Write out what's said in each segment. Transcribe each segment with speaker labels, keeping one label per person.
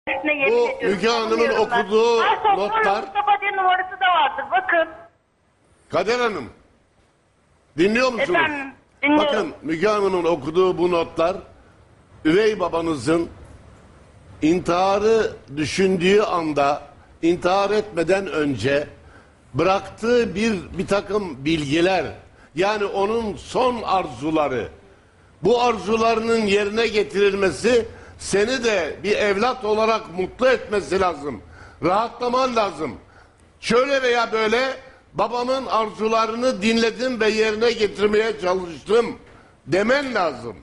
Speaker 1: Bu Müge Hanım'ın okuduğu notlar.
Speaker 2: Mustafa diye numarası da vardır. Bakın.
Speaker 1: Kader Hanım, dinliyor musunuz?
Speaker 2: Efendim, dinliyorum.
Speaker 1: Bakın Müge Hanım'ın okuduğu bu notlar üvey babanızın intiharı düşündüğü anda, intihar etmeden önce bıraktığı bir takım bilgiler, yani onun son arzuları. Bu arzularının yerine getirilmesi seni de bir evlat olarak mutlu etmesi lazım. Rahatlaman lazım. Şöyle veya böyle babamın arzularını dinledim ve yerine getirmeye çalıştım demen lazım.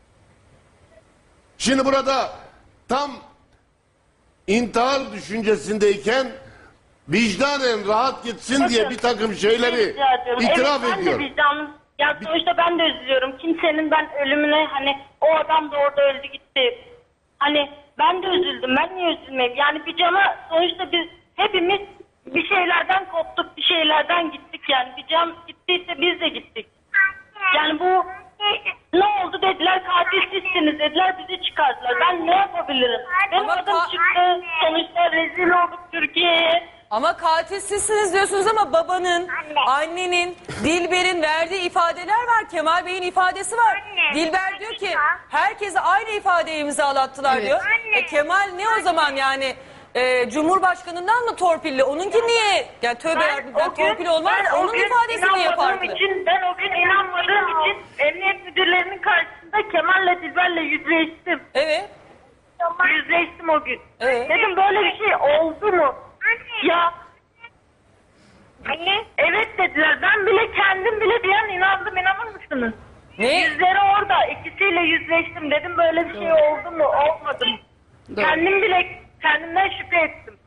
Speaker 1: Şimdi burada tam intihar düşüncesindeyken vicdanen rahat gitsin diye bir takım şeyleri itiraf
Speaker 2: evet,
Speaker 1: ediyor.
Speaker 2: Ben de vicdanım. Ya sonuçta ben de üzülüyorum. Kimsenin ben ölümüne hani o adam da orada öldü gitti. Hani ben de üzüldüm. Ben niye üzülmeyeyim? Yani bir cana sonuçta biz hepimiz bir şeylerden koptuk, bir şeylerden gittik yani. Bir can gittiyse biz de gittik. Yani bu ne oldu dediler, katil sizsiniz dediler, bizi çıkardılar. Ben ne yapabilirim? Benim adım çıktı, sonuçta rezil olduk Türkiye'ye.
Speaker 3: Ama katil sizsiniz diyorsunuz ama babanın, annenin, Dilber'in verdiği ifadeler var. Kemal Bey'in ifadesi var. Dilber diyor ki herkese aynı ifadeyi imzalattılar diyor. Kemal ne o zaman yani Cumhurbaşkanından mı torpilli? Onunki niye? Yani tövbe yarabbim, torpil olmaz. Onun ifadesi niye farklı?
Speaker 2: Ben o gün inanmadığım için emniyet müdürlerinin karşısında Kemal'le Dilber'le yüzleştim.
Speaker 3: Evet.
Speaker 2: Yüzleştim o gün.
Speaker 3: Evet.
Speaker 2: Dedim böyle bir şey oldu mu? Ya. Anne. Evet dediler. Ben bile kendim bile bir an inandım. İnanır mısınız?
Speaker 3: Ne?
Speaker 2: Yüzleri orada. İkisiyle yüzleştim. Dedim böyle bir şey oldu mu? Olmadı mı?
Speaker 4: Doğru.
Speaker 2: Kendim bile kendimden şüphe ettim.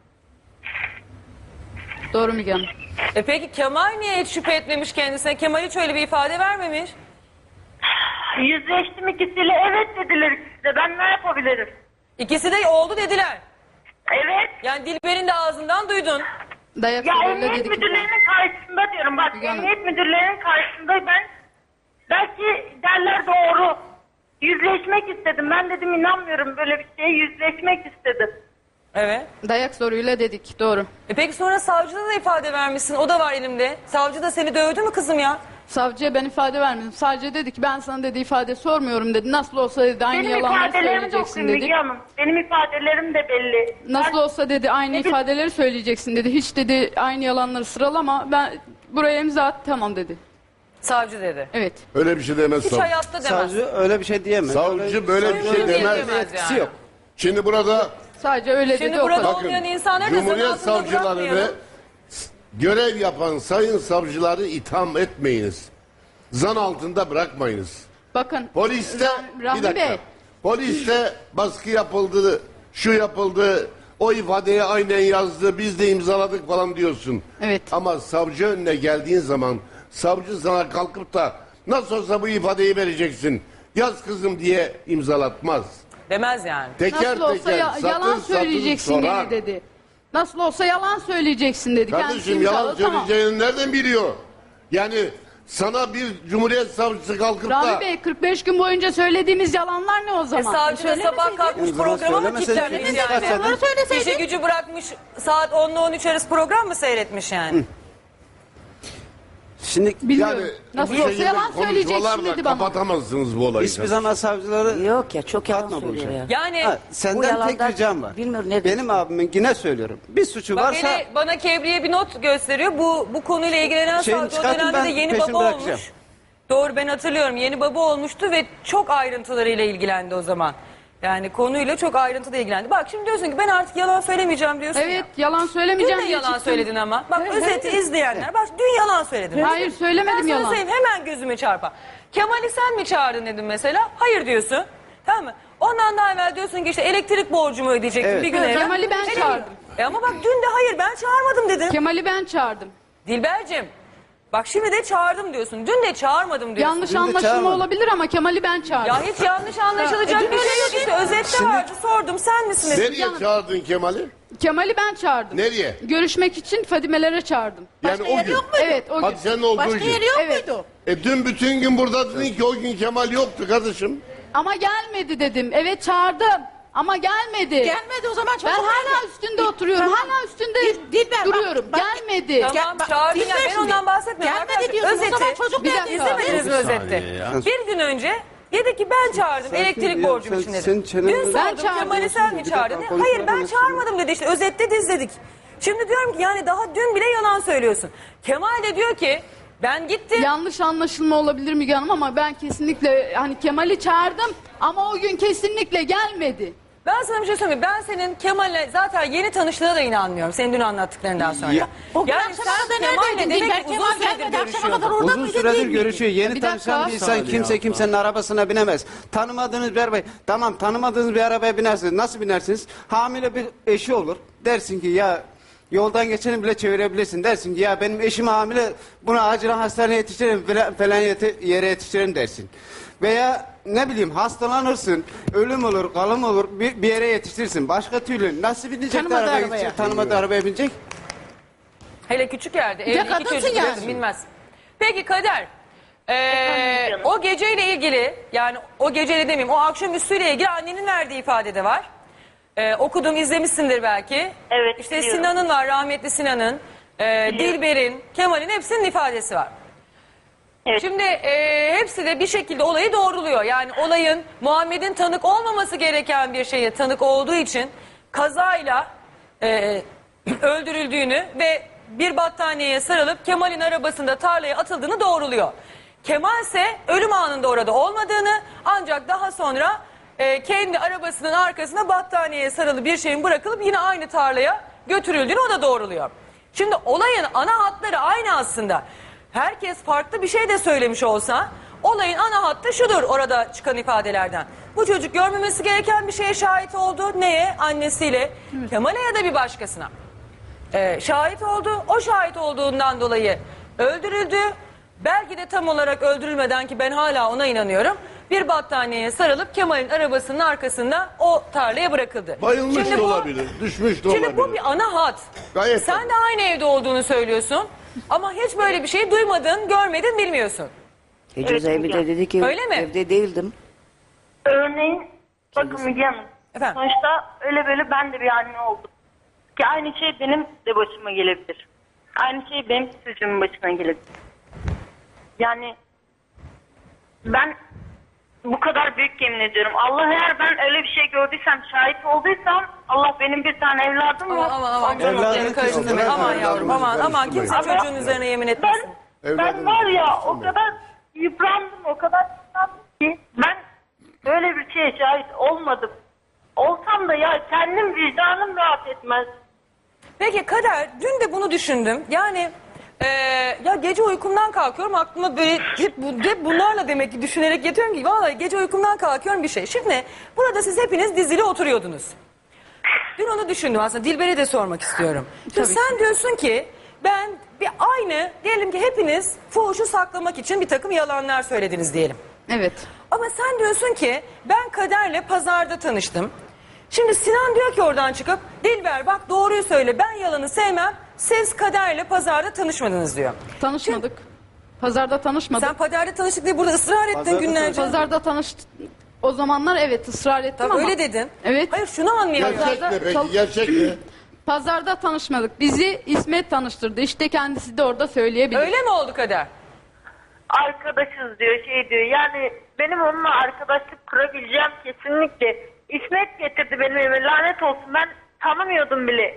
Speaker 4: Doğru Müge Hanım.
Speaker 3: Peki Kemal niye hiç şüphe etmemiş kendisine? Kemal hiç öyle bir ifade vermemiş.
Speaker 2: Yüzleştim ikisiyle. Evet dediler ikisi de. Ben ne yapabilirim?
Speaker 3: İkisi de oldu dediler.
Speaker 2: Evet.
Speaker 3: Yani Dilber'in de ağzından duydun.
Speaker 4: Dayak
Speaker 2: Ya
Speaker 4: öyle
Speaker 2: emniyet
Speaker 4: dedik.
Speaker 2: müdürlerinin karşısında diyorum. Bak
Speaker 4: Müge Hanım.
Speaker 2: emniyet müdürlerinin karşısında ben belki derler doğru. Yüzleşmek istedim. Ben dedim inanmıyorum böyle bir şeye, yüzleşmek istedim.
Speaker 3: Evet.
Speaker 4: Dayak zoruyla dedik. Doğru.
Speaker 3: Peki sonra savcıda da ifade vermişsin. O da var elimde. Savcı da seni dövdü mü kızım ya?
Speaker 4: Savcıya ben ifade vermedim. Sadece dedi ki ben sana dedi ifade sormuyorum dedi. Nasıl olsa dedi aynı
Speaker 2: Benim
Speaker 4: yalanları
Speaker 2: ifadelerimi de
Speaker 4: söyleyeceksin
Speaker 2: okuyun
Speaker 4: dedi.
Speaker 2: Müge Hanım. Benim ifadelerim de belli.
Speaker 4: Nasıl olsa dedi aynı
Speaker 2: Dedi-
Speaker 4: ifadeleri söyleyeceksin dedi. Hiç dedi aynı yalanları sıralama. Ben buraya imza at tamam dedi.
Speaker 3: Savcı dedi.
Speaker 4: Evet.
Speaker 1: Öyle bir şey demez
Speaker 3: Hiç
Speaker 1: savcı.
Speaker 3: hayatta demez.
Speaker 5: Savcı öyle bir şey diyemez.
Speaker 1: Savcı böyle bir şey
Speaker 3: Öyle
Speaker 1: demez.
Speaker 3: diyemez
Speaker 5: Etkisi
Speaker 3: yani.
Speaker 5: yok.
Speaker 1: Şimdi burada
Speaker 4: Sadece öyle
Speaker 3: Şimdi
Speaker 4: dedi o
Speaker 3: burada
Speaker 4: kadar.
Speaker 3: olmayan insanları da zan
Speaker 1: Cumhuriyet
Speaker 3: altında
Speaker 1: savcılarını
Speaker 3: bırakmayalım.
Speaker 1: görev yapan sayın savcıları itham etmeyiniz. Zan altında bırakmayınız.
Speaker 4: Bakın.
Speaker 1: Poliste
Speaker 4: Rahmi
Speaker 1: bir dakika.
Speaker 4: Bey.
Speaker 1: Poliste baskı yapıldı, şu yapıldı, o ifadeyi aynen yazdı, biz de imzaladık falan diyorsun.
Speaker 4: Evet.
Speaker 1: Ama savcı önüne geldiğin zaman savcı sana kalkıp da nasıl olsa bu ifadeyi vereceksin, yaz kızım diye imzalatmaz.
Speaker 3: Demez yani.
Speaker 1: Teker
Speaker 4: Nasıl olsa
Speaker 1: teker
Speaker 4: yalan
Speaker 1: satır
Speaker 4: söyleyeceksin
Speaker 1: sorar.
Speaker 4: dedi. Nasıl olsa yalan söyleyeceksin dedi. Kendisi
Speaker 1: Kardeşim yalan
Speaker 4: imzaladı, tamam.
Speaker 1: söyleyeceğini nereden biliyor? Yani sana bir cumhuriyet savcısı kalkıp da
Speaker 4: Rahmi Bey 45 gün boyunca söylediğimiz yalanlar ne o zaman?
Speaker 3: Savcı da sabah kalkmış
Speaker 5: O zaman
Speaker 3: programa mı
Speaker 5: söylemeseydin,
Speaker 3: kilitlenmiş
Speaker 5: istersen-
Speaker 3: yani? İşe gücü bırakmış saat 10 ile 13 arası program mı seyretmiş yani?
Speaker 5: Şimdi
Speaker 4: Bilmiyorum.
Speaker 1: yani
Speaker 4: Nasıl
Speaker 1: bu
Speaker 4: olsa
Speaker 1: şekilde
Speaker 4: yalan söyleyeceksin
Speaker 1: konuşmalarla
Speaker 4: dedi bana.
Speaker 1: kapatamazsınız bu olayı.
Speaker 5: hiçbir zaman savcıları
Speaker 6: Yok ya çok yalan
Speaker 5: katma
Speaker 6: söylüyor
Speaker 5: bulacak.
Speaker 6: ya.
Speaker 3: Yani
Speaker 5: Ha,
Speaker 6: Bu
Speaker 5: senden tek
Speaker 6: yalandan
Speaker 5: ricam var.
Speaker 6: bilmiyorum ne
Speaker 5: Benim abimin yine söylüyorum. Bir suçu
Speaker 3: bak
Speaker 5: varsa
Speaker 3: hele bana Kebriye bir not gösteriyor. Bu konuyla ilgilenen
Speaker 5: Şeyini
Speaker 3: savcı o
Speaker 5: çıkartın,
Speaker 3: dönemde de
Speaker 5: ben
Speaker 3: yeni
Speaker 5: peşini
Speaker 3: baba
Speaker 5: bırakacağım.
Speaker 3: olmuş. Doğru ben hatırlıyorum. Yeni baba olmuştu ve çok ayrıntılarıyla ilgilendi o zaman. Yani konuyla çok ayrıntılı ilgilendi. Bak şimdi diyorsun ki ben artık yalan söylemeyeceğim diyorsun
Speaker 4: Evet
Speaker 3: ya.
Speaker 4: yalan
Speaker 3: Dün
Speaker 4: söylemeyeceğim
Speaker 3: de
Speaker 4: diye
Speaker 3: yalan
Speaker 4: çıktım.
Speaker 3: söyledin ama. Bak özeti izleyenler. Bak dün yalan söyledin.
Speaker 4: Hayır, söylemedim
Speaker 3: Ben sana
Speaker 4: yalan.
Speaker 3: söyleyeyim, hemen gözüme çarpar. Kemal'i sen mi çağırdın dedim mesela. Hayır diyorsun. Tamam mı? Ondan daha evvel diyorsun ki işte elektrik borcumu ödeyecektim
Speaker 5: Evet.
Speaker 3: bir gün
Speaker 4: Evet,
Speaker 3: evvel.
Speaker 4: Kemal'i ben çağırdım.
Speaker 3: Ama bak dün de hayır ben çağırmadım dedin.
Speaker 4: Kemal'i ben çağırdım.
Speaker 3: Dilber'cim bak şimdi de çağırdım diyorsun. Dün de çağırmadım diyorsun.
Speaker 4: Yanlış
Speaker 5: Dün de
Speaker 4: anlaşılma
Speaker 5: çağırmadım.
Speaker 4: olabilir ama Kemal'i ben çağırdım.
Speaker 3: Ya hiç yanlış anlaşılacak bir şey yok işte. Özette vardı sordum sen misin dedim.
Speaker 1: Nereye çağırdın Kemal'i?
Speaker 4: Kemal'i ben çağırdım.
Speaker 1: Nereye?
Speaker 4: Görüşmek için Fadimelere çağırdım.
Speaker 1: Yani o gün.
Speaker 4: Evet o gün.
Speaker 1: Hadi sen olduğu
Speaker 6: Başka
Speaker 1: gün.
Speaker 6: yeri yok
Speaker 4: Evet.
Speaker 6: muydu?
Speaker 1: Dün bütün gün burada dedin ki o gün Kemal yoktu kardeşim.
Speaker 4: Ama gelmedi dedim. Evet çağırdım. ama gelmedi.
Speaker 6: Gelmedi o zaman çocuk
Speaker 4: Ben hala
Speaker 6: nerede?
Speaker 4: üstünde oturuyorum.
Speaker 6: Tamam.
Speaker 4: Hala üstünde
Speaker 6: Dilber, bak,
Speaker 4: duruyorum.
Speaker 6: bak.
Speaker 4: Gelmedi.
Speaker 3: Tamam
Speaker 6: bak,
Speaker 3: çağırdın ya,
Speaker 6: dinle
Speaker 3: ben
Speaker 6: şimdi.
Speaker 3: ondan bahsetmiyorum.
Speaker 6: Gelmedi
Speaker 3: Arkadaşlar,
Speaker 6: diyorsun, o zaman çocuk
Speaker 4: Bir
Speaker 6: nerede?
Speaker 4: dakika.
Speaker 3: İzlemediniz mi
Speaker 1: Bir
Speaker 3: özette?
Speaker 1: saniye ya.
Speaker 3: Bir gün önce dedi ki ben çağırdım
Speaker 5: Sakin
Speaker 3: elektrik
Speaker 5: ya,
Speaker 3: borcum
Speaker 5: sen-
Speaker 3: için dedi.
Speaker 5: sen çeneni-
Speaker 3: Dün
Speaker 4: Ben
Speaker 3: sordum
Speaker 4: çağırdım.
Speaker 3: Kemal'i sen mi
Speaker 5: Bir dakika,
Speaker 3: çağırdın?
Speaker 5: konuşma
Speaker 3: Hayır ben
Speaker 5: bana.
Speaker 3: çağırmadım dedi, işte özette de izledik. Şimdi diyorum ki yani daha dün bile yalan söylüyorsun. Kemal de diyor ki ben gittim.
Speaker 4: Yanlış anlaşılma olabilir Müge Hanım ama ben kesinlikle hani Kemal'i çağırdım ama o gün kesinlikle gelmedi.
Speaker 3: Ben sana bir şey söyleyeyim. Ben senin Kemal'le zaten yeni tanıştığına da inanmıyorum. Senin dün anlattıklarından sonra.
Speaker 5: Ya-
Speaker 6: O gün
Speaker 3: Yani
Speaker 6: akşama
Speaker 3: sen
Speaker 6: kadar
Speaker 3: Kemal'le
Speaker 6: neredeydin?
Speaker 3: demek
Speaker 6: Dilber
Speaker 3: ki uzun
Speaker 6: Kemal
Speaker 3: süredir
Speaker 6: gelmedi, akşama
Speaker 3: görüşüyordun.
Speaker 6: kadar orada
Speaker 5: Uzun
Speaker 6: mıydı,
Speaker 5: süredir
Speaker 6: değil miydi?
Speaker 5: görüşüyor. Yeni
Speaker 4: Bir
Speaker 5: tanışan
Speaker 4: dakika.
Speaker 5: bir insan
Speaker 1: Saniye
Speaker 5: kimse
Speaker 1: abla.
Speaker 5: kimsenin arabasına binemez. Tanımadığınız bir arabaya, tamam tanımadığınız bir arabaya binersiniz. Nasıl binersiniz? Hamile bir eşi olur. Dersin ki ya yoldan geçeni bile çevirebilirsin. Dersin ki ya benim eşim hamile, bunu acilen hastaneye yetiştirelim falan yere yetiştirelim dersin. Veya ne bileyim hastalanırsın, ölüm olur, kalım olur, bir yere yetiştirirsin. Başka türlü nasıl binecek de
Speaker 6: Tanımadığı
Speaker 5: arabaya
Speaker 6: arabaya.
Speaker 5: gidecek, tanımadığı arabaya binecek?
Speaker 3: Hele küçük yerde.
Speaker 6: de
Speaker 3: Evli iki
Speaker 6: kadınsın
Speaker 3: çocuk
Speaker 6: yani.
Speaker 3: diyorsun, bilmez. Peki Kader.
Speaker 2: Efendim canım.
Speaker 3: O geceyle ilgili yani o geceyle demeyeyim o akşamüstüyle ilgili annenin verdiği ifade de var. Okudum izlemişsindir belki.
Speaker 2: Evet,
Speaker 3: İşte
Speaker 2: biliyorum.
Speaker 3: Sinan'ın var rahmetli Sinan'ın. Dilber'in, Kemal'in hepsinin ifadesi var.
Speaker 2: Evet.
Speaker 3: Şimdi hepsi de bir şekilde olayı doğruluyor. Yani olayın Muhammed'in tanık olmaması gereken bir şeye tanık olduğu için kazayla öldürüldüğünü ve bir battaniyeye sarılıp Kemal'in arabasında tarlaya atıldığını doğruluyor. Kemal ise ölüm anında orada olmadığını ancak daha sonra kendi arabasının arkasına battaniyeye sarılı bir şeyin bırakılıp yine aynı tarlaya götürüldüğünü o da doğruluyor. Şimdi olayın ana hatları aynı aslında. Herkes farklı bir şey de söylemiş olsa olayın ana hattı şudur orada çıkan ifadelerden. Bu çocuk görmemesi gereken bir şeye şahit oldu. Neye? Annesiyle. Kemal'e ya da bir başkasına. Şahit oldu. O şahit olduğundan dolayı öldürüldü. Belki de tam olarak öldürülmeden ki ben hala ona inanıyorum. Bir battaniyeye sarılıp Kemal'in arabasının arkasında o tarlaya bırakıldı.
Speaker 1: Bayılmış
Speaker 3: Şimdi
Speaker 1: da
Speaker 3: bu-
Speaker 1: olabilir, düşmüş de olabilir.
Speaker 3: Şimdi bu bir ana hat.
Speaker 1: Gayet
Speaker 3: Sen de aynı evde olduğunu söylüyorsun. Ama hiç böyle bir şey duymadın, görmedin, bilmiyorsun.
Speaker 7: Cezaevi
Speaker 2: Müge
Speaker 7: de
Speaker 2: Hanım.
Speaker 7: dedi ki
Speaker 3: Öyle mi?
Speaker 7: evde değildim.
Speaker 2: Örneğin bakın Müge Hanım.
Speaker 3: Efendim?
Speaker 2: Sonuçta öyle böyle ben de bir anne oldum. Ki aynı şey benim de başıma gelebilir. Aynı şey benim çocuğumun başına gelebilir. Yani ben bu kadar büyük yemin ediyorum. Allah eğer ben öyle bir şey gördüysem, şahit olduysam Allah benim bir tane evladım var.
Speaker 3: Aman
Speaker 2: Ondan
Speaker 5: Evladım
Speaker 2: dolayı-
Speaker 3: Evladım karıştırmayın.
Speaker 1: Bırak
Speaker 3: Aman
Speaker 1: evladımızı
Speaker 3: yavrum aman kimse
Speaker 1: karıştırmayın.
Speaker 3: çocuğun üzerine yemin etmesin.
Speaker 2: Ben
Speaker 1: Evladımızı
Speaker 2: var ya o
Speaker 1: karıştırmayın.
Speaker 2: kadar yıprandım, o kadar yıprandım ki ben böyle bir şeye şahit olmadım. Olsam da ya kendim vicdanım rahat etmez.
Speaker 3: Peki Kader dün de bunu düşündüm. Yani ya gece uykumdan kalkıyorum aklıma böyle hep bunlarla demek ki düşünerek yatıyorum ki vallahi gece uykumdan kalkıyorum bir şey. Şimdi burada siz hepiniz dizili oturuyordunuz. Dün onu düşündüm aslında Dilber'e de sormak istiyorum. Şimdi sen diyorsun ki ben bir aynı diyelim ki hepiniz fuhuşu saklamak için bir takım yalanlar söylediniz diyelim.
Speaker 4: Evet.
Speaker 3: Ama sen diyorsun ki ben Kader'le pazarda tanıştım. Şimdi Sinan diyor ki oradan çıkıp Dilber bak doğruyu söyle ben yalanı sevmem. Siz Kader'le pazarda tanışmadınız diyor.
Speaker 4: Tanışmadık. Pazarda tanışmadık.
Speaker 3: Sen pazarda tanıştık diye burada ısrar ettin
Speaker 5: Pazarda
Speaker 3: günlerce.
Speaker 4: Pazarda tanıştık. O zamanlar evet ısrar ettim
Speaker 3: Tabii
Speaker 4: ama.
Speaker 3: öyle dedin.
Speaker 4: Evet.
Speaker 3: Hayır şunu anlayamıyorum.
Speaker 1: Gerçek ne peki?
Speaker 4: Çal-
Speaker 1: Gerçek ne?
Speaker 4: Pazarda tanışmadık. Bizi İsmet tanıştırdı. İşte kendisi de orada söyleyebilir.
Speaker 3: Öyle mi oldu Kader?
Speaker 2: Arkadaşız diyor, şey diyor. Yani benim onunla arkadaşlık kurabileceğim kesinlikle. İsmet getirdi benim eve, lanet olsun, ben tanımıyordum bile.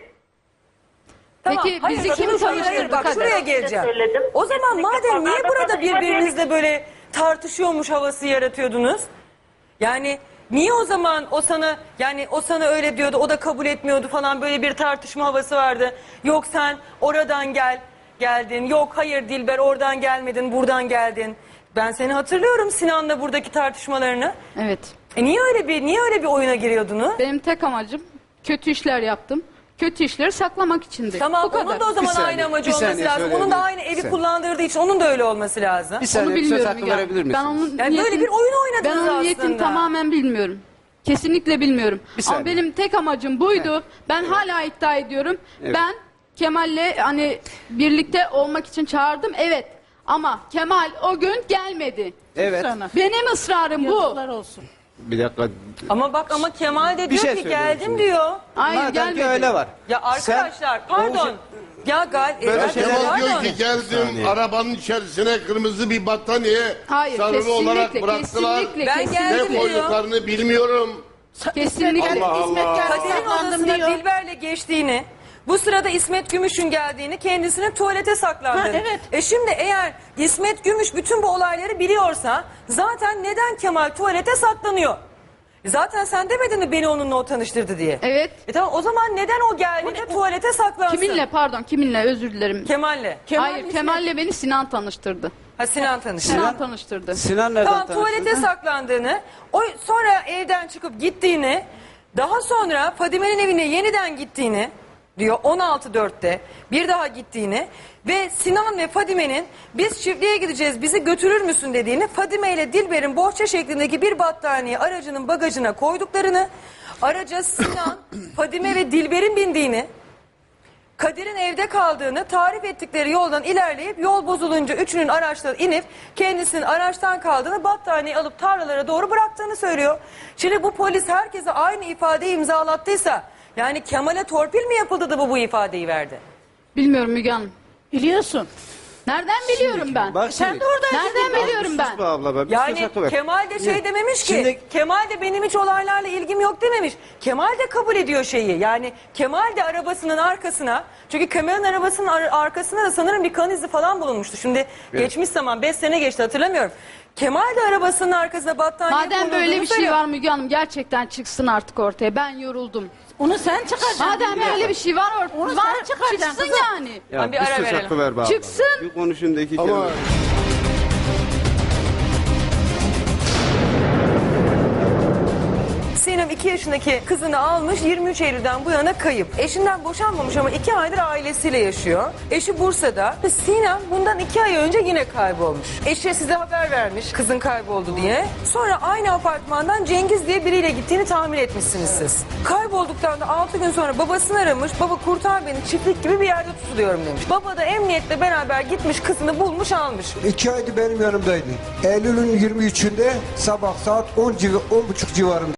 Speaker 4: Peki bizi
Speaker 3: bak,
Speaker 4: kim
Speaker 3: hayır,
Speaker 4: tanıştırdı
Speaker 3: bak
Speaker 4: Kader?
Speaker 3: şuraya geleceğim.
Speaker 2: Söyledim.
Speaker 3: O zaman
Speaker 2: Kesinlikle
Speaker 3: madem niye
Speaker 2: pazarda
Speaker 3: burada
Speaker 2: tanışma
Speaker 3: birbirinizle böyle tartışıyormuş havası yaratıyordunuz? Yani niye o zaman o sana öyle diyordu o da kabul etmiyordu falan böyle bir tartışma havası vardı. Yok sen oradan geldin. Yok hayır Dilber oradan gelmedin buradan geldin. Ben seni hatırlıyorum Sinan'la buradaki tartışmalarını.
Speaker 4: Evet.
Speaker 3: Niye öyle bir oyuna giriyordunuz?
Speaker 4: Benim tek amacım kötü işler yaptım. Kötü işleri saklamak içindi.
Speaker 3: Tamam
Speaker 4: Bu kadar.
Speaker 3: onun da o zaman
Speaker 5: Bir saniye,
Speaker 3: aynı amacı
Speaker 5: bir
Speaker 3: olması
Speaker 5: saniye
Speaker 3: lazım. Onun da
Speaker 5: söyleyebilirim.
Speaker 3: aynı
Speaker 5: Bir
Speaker 3: evi
Speaker 5: saniye.
Speaker 3: kullandırdığı için onun da öyle olması lazım.
Speaker 5: Bir
Speaker 4: Onu
Speaker 5: saniye söz
Speaker 4: bilmiyorum.
Speaker 5: hakkı
Speaker 4: yani.
Speaker 5: verebilir misiniz?
Speaker 4: Ben onun
Speaker 3: Yani böyle bir oyun oynadınız
Speaker 4: Ben onun niyetini
Speaker 3: aslında.
Speaker 4: tamamen bilmiyorum. Kesinlikle bilmiyorum.
Speaker 5: Bir
Speaker 4: Ama
Speaker 5: saniye.
Speaker 4: benim tek amacım buydu. Ben hala iddia ediyorum.
Speaker 5: Evet.
Speaker 4: Ben Kemal'le hani birlikte olmak için çağırdım. Evet. Ama Kemal o gün gelmedi.
Speaker 5: Evet.
Speaker 6: Sana.
Speaker 4: Benim ısrarım bu.
Speaker 6: Yazıklar olsun.
Speaker 5: Bir dakika.
Speaker 3: Ama Kemal de
Speaker 5: Bir
Speaker 3: diyor
Speaker 5: şey
Speaker 3: ki
Speaker 5: söylüyorum
Speaker 3: geldim
Speaker 5: şimdi.
Speaker 3: diyor.
Speaker 4: Hayır
Speaker 5: Madem ki
Speaker 4: gelmedi.
Speaker 5: öyle var.
Speaker 3: Ya arkadaşlar
Speaker 5: Sen-
Speaker 3: pardon. Ya
Speaker 5: Böyle şeyler-
Speaker 1: Kemal diyor
Speaker 3: pardon.
Speaker 1: ki geldim
Speaker 5: Saniye.
Speaker 1: arabanın içerisine kırmızı bir battaniye
Speaker 4: Hayır
Speaker 1: sarılı olarak
Speaker 4: kesinlikle
Speaker 1: bıraktılar.
Speaker 4: kesinlikle
Speaker 3: Ben
Speaker 4: kesinlikle.
Speaker 3: geldim
Speaker 1: Ne
Speaker 3: diyor.
Speaker 1: koyduklarını bilmiyorum.
Speaker 4: Kesinlikle.
Speaker 1: Allah
Speaker 6: İsmet
Speaker 1: Allah.
Speaker 6: geldi
Speaker 3: Kadir'in
Speaker 6: saklandım
Speaker 3: odasına
Speaker 6: diyor.
Speaker 3: Dilber'le geçtiğini, bu sırada İsmet Gümüş'ün geldiğini, kendisinin tuvalete saklandığını.
Speaker 6: Ha, evet.
Speaker 3: Şimdi eğer İsmet Gümüş bütün bu olayları biliyorsa zaten neden Kemal tuvalete saklanıyor? Zaten sen demedin mi beni onunla o tanıştırdı diye?
Speaker 4: Evet.
Speaker 3: Tamam o zaman neden o geldi de tuvalete saklansın?
Speaker 4: Kiminle pardon kiminle özür dilerim.
Speaker 3: Kemal'le.
Speaker 4: Hayır Kemal'le beni Sinan tanıştırdı.
Speaker 3: Ha Sinan tanıştı.
Speaker 4: Sinan tanıştırdı.
Speaker 5: Sinan nereden
Speaker 3: Tamam tuvalete
Speaker 5: tanıştın?
Speaker 3: saklandığını, o sonra evden çıkıp gittiğini, daha sonra Fadime'nin evine yeniden gittiğini diyor 16.4'te bir daha gittiğini ve Sinan ve Fadime'nin biz çiftliğe gideceğiz bizi götürür müsün dediğini, Fadime ile Dilber'in bohça şeklindeki bir battaniye aracının bagajına koyduklarını, araca Sinan, Fadime ve Dilber'in bindiğini, Kadir'in evde kaldığını, tarif ettikleri yoldan ilerleyip yol bozulunca üçünün araçtan inip kendisinin araçtan kaldığını, battaniyeyi alıp tarlalara doğru bıraktığını söylüyor. Şimdi bu polis herkese aynı ifadeyi imzalattıysa yani Kemal'e torpil mi yapıldı da bu ifadeyi verdi?
Speaker 4: Bilmiyorum Müge Hanım.
Speaker 6: Biliyorsun.
Speaker 4: Nereden biliyorum ben?
Speaker 5: Bak
Speaker 6: Sen
Speaker 5: şimdi.
Speaker 6: de oradaydın.
Speaker 4: Nereden biliyorum
Speaker 5: Sus
Speaker 4: ben?
Speaker 5: be abla be. Bir
Speaker 3: Yani
Speaker 5: söz hakkı ver.
Speaker 3: Kemal de şey dememiş ki,
Speaker 5: Şimdi-
Speaker 3: Kemal de benim hiç olaylarla ilgim yok dememiş. Kemal de kabul ediyor şeyi. Yani Kemal de arabasının arkasına, çünkü Kemal'in arabasının arkasına da sanırım bir kan izi falan bulunmuştu. Şimdi geçmiş zaman 5 sene geçti hatırlamıyorum. Kemal de arabasının arkasına battaniye
Speaker 4: Madem
Speaker 3: konulduğunu
Speaker 4: böyle bir şey
Speaker 3: söylüyor.
Speaker 4: var Müge Hanım gerçekten çıksın artık ortaya. Ben yoruldum.
Speaker 6: Onu sen çıkaracaksın.
Speaker 4: Madem böyle bir şey var
Speaker 6: Onu
Speaker 4: ortada.
Speaker 6: sen
Speaker 4: Var
Speaker 6: çıkaracaksın
Speaker 4: çıksın
Speaker 6: kızım.
Speaker 4: yani.
Speaker 5: Ya
Speaker 3: Tamam, bir ara
Speaker 5: söz
Speaker 3: verelim.
Speaker 5: hakkı ver be abla.
Speaker 4: Çıksın.
Speaker 5: Bir konuşayım da iki
Speaker 1: Ama
Speaker 5: kelime.
Speaker 3: Sinem 2 yaşındaki kızını almış, 23 Eylül'den bu yana kayıp. Eşinden boşanmamış ama 2 aydır ailesiyle yaşıyor. Eşi Bursa'da. Ve Sinem bundan 2 ay önce yine kaybolmuş. Eşi size haber vermiş kızın kayboldu diye. Sonra aynı apartmandan Cengiz diye biriyle gittiğini tahmin etmişsiniz siz. Kaybolduktan da 6 gün sonra babasını aramış. Baba kurtar beni, çiftlik gibi bir yerde tutuluyorum demiş. Baba da emniyetle beraber gitmiş, kızını bulmuş almış.
Speaker 7: 2 aydır benim yanımdaydı. Eylül'ün 23'ünde sabah saat 10.30 civarında.